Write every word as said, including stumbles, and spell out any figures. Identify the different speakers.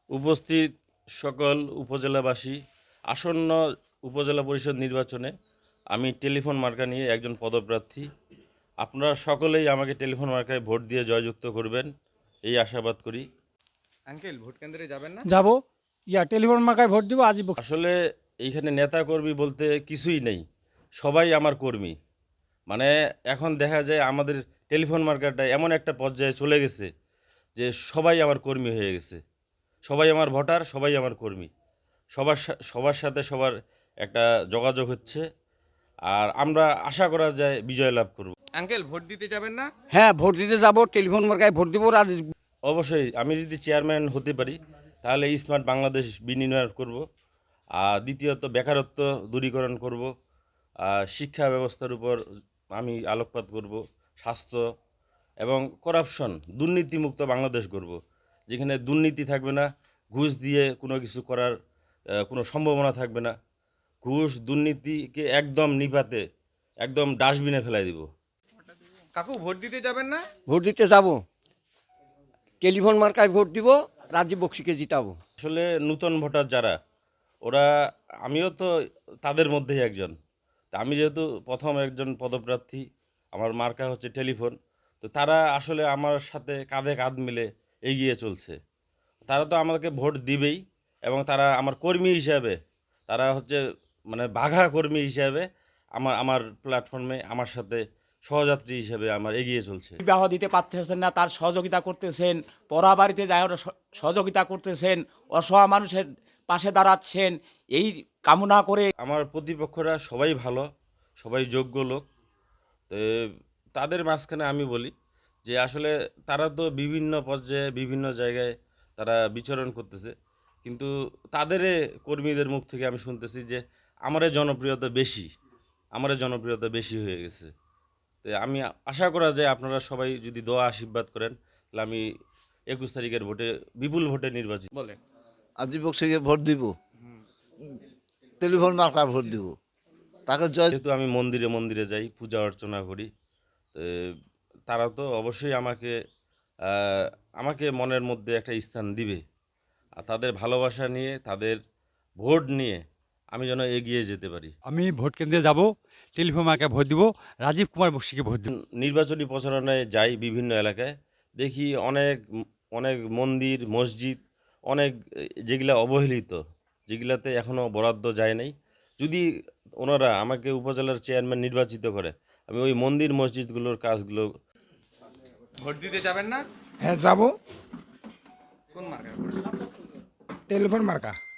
Speaker 1: উপস্থিত সকল উপজেলাবাসী, আসন্ন উপজেলা পরিষদ নির্বাচনে আমি টেলিফোন মার্কা নিয়ে একজন পদপ্রার্থী। আপনারা সকলেই আমাকে টেলিফোন মার্কায় ভোট দিয়ে জয়যুক্ত করবেন, এই আশাবাদ করি।
Speaker 2: আঙ্কেল ভোট কেন্দ্রে যাবেন না?
Speaker 3: যাব। ইয়া টেলিফোন মার্কায় ভোট দিব আজই।
Speaker 1: আসলে এইখানে নেতা কর্মী বলতে কিছুই নেই, সবাই আমার কর্মী। মানে এখন দেখা যায় আমাদের টেলিফোন মার্কাটা এমন একটা পর্যায়ে চলে গেছে যে সবাই আমার কর্মী হয়ে গেছে, সবাই আমার ভোটার, সবাই আমার কর্মী। সবার সা- সবার সাথে সবার একটা যোগাযোগ হচ্ছে, আর আমরা আশা করা যায় বিজয় লাভ করব।
Speaker 2: আঙ্কেল ভোট দিতে যাবেন না?
Speaker 4: হ্যাঁ, ভোট দিতে যাব, টেলিফোন মার্কায় ভোট দিব। রাজ
Speaker 1: অবশ্যই আমি যদি চেয়ারম্যান হতে পারি তাহলে স্মার্ট বাংলাদেশ বিনির্মাণ করব। আর দ্বিতীয়ত বেকারত্ব দূরীকরণ করব। আর শিক্ষা ব্যবস্থার উপর আমি আলোকপাত করব। স্বাস্থ্য এবং করাপশন দুর্নীতিমুক্ত বাংলাদেশ করব, যেখানে দুর্নীতি থাকবে না, ঘুষ দিয়ে কোনো কিছু করার আহ, কোনো সম্ভাবনা থাকবে না। ঘুষ দুর্নীতিকে একদম নিপাতে একদম ডাস্টবিনে ফেলাই দিব।
Speaker 2: কাকু ভোট দিতে যাবেন না?
Speaker 4: ভোট দিতে যাব, টেলিফোন মার্কায় ভোট দিব, রাজীব বক্সিকে জিতাবো।
Speaker 1: আসলে নূতন ভোটার যারা, ওরা, আমিও তো তাদের মধ্যেই একজন। তা আমি যেহেতু প্রথম একজন পদপ্রার্থী, আমার মার্কা হচ্ছে টেলিফোন, তো তারা আসলে আমার সাথে কাঁধে কাঁধ মিলে এগিয়ে চলছে। তারা তো আমাকে ভোট দিবেই, এবং তারা আমার কর্মী হিসাবে, তারা হচ্ছে মানে বাঘা কর্মী হিসাবে আমার আমার প্ল্যাটফর্মে আমার সাথে সহযাত্রী হিসাবে আমার এগিয়ে চলছে।
Speaker 3: বিবাহ দিতে পারতেছেন না, তার সহযোগিতা করতেছেন। পড়া বাড়িতে যায় ওরা স- সহযোগিতা করতেছেন। অসহায় মানুষের পাশে দাঁড়াচ্ছেন, এই কামনা করে।
Speaker 1: আমার প্রতিপক্ষরা সবাই ভালো, সবাই যোগ্য লোক। তো তাদের মাঝখানে আমি বলি যে আসলে তারা তো বিভিন্ন পর্যায়ে বিভিন্ন জায়গায় তারা বিচরণ করতেছে, কিন্তু তাদের কর্মীদের মুখ থেকে আমি শুনতেছি যে আমারে জনপ্রিয়তা বেশি, আমারে জনপ্রিয়তা বেশি হয়ে গেছে। তো আমি আশা করা যায় আপনারা সবাই যদি দোয়া আশীর্বাদ করেন, তাহলে আমি একুশ তারিখের ভোটে বিপুল ভোটে নির্বাচিত।
Speaker 2: বলেন।
Speaker 5: আজিব বক্সিকে ভোট দিব, টেলিফোন মার্কায় ভোট দিব, তাকে জয়।
Speaker 1: যেহেতু আমি মন্দিরে মন্দিরে যাই, পূজা অর্চনা করি, তো তারা তো অবশ্যই আমাকে আহ, আমাকে মনের মধ্যে একটা স্থান দিবে। আর তাদের ভালোবাসা নিয়ে, তাদের ভোট নিয়ে আমি যেন এগিয়ে যেতে পারি।
Speaker 6: আমি ভোট কেন্দ্রে যাব, টেলিফোন মার্কায় ভোট দিব, রাজীব কুমার বক্সিকে ভোট দিব।
Speaker 1: নির্বাচনী প্রচারণায় যাই বিভিন্ন এলাকায়, দেখি অনেক অনেক মন্দির মসজিদ, অনেক যেগুলা অবহেলিত, যেগুলাতে এখনও বরাদ্দ যায় নাই। যদি ওনারা আমাকে উপজেলার চেয়ারম্যান নির্বাচিত করে, আমি ওই মন্দির মসজিদগুলোর কাজগুলো।
Speaker 2: ভোট দিতে যাবেন না?
Speaker 7: হ্যাঁ যাব,
Speaker 2: কোন মার্কা?
Speaker 7: টেলিফোন মার্কা।